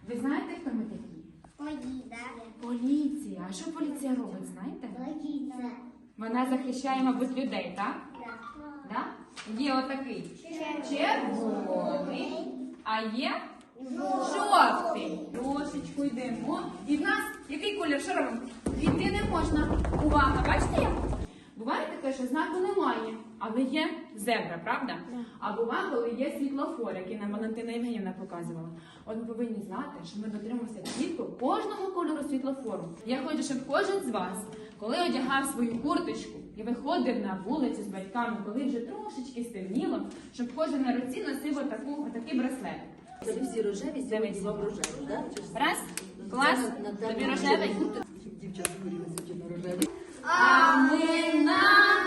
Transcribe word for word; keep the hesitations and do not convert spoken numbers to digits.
Ви знаєте, хто ми такі? Поліція. Поліція. А що поліція робить, знаєте? Поліція. Вона захищає, мабуть, людей, так? Да? Є отакий червоний, а є жовтий. Трошечку йдемо. І в нас який колір? Що робимо? Йти не можна. Увага, бачите як? Буває таке, що знаку немає, але є зебра, правда? А буває, коли є світлофор, який нам Валентина Євгенівна показувала. От ми повинні знати, що ми дотримуємося чітко кожного кольору світлофору. Я хочу, щоб кожен з вас, коли одягав свою курточку і виходив на вулицю з батьками, коли вже трошечки стемніло, щоб кожен на руці носив отаку, отакий браслет. Це всі рожеві, сьогодні вам рожеві, так? Раз, клас, тобі рожевий. Дівчата хотіли сьогодні рожеві. А ми на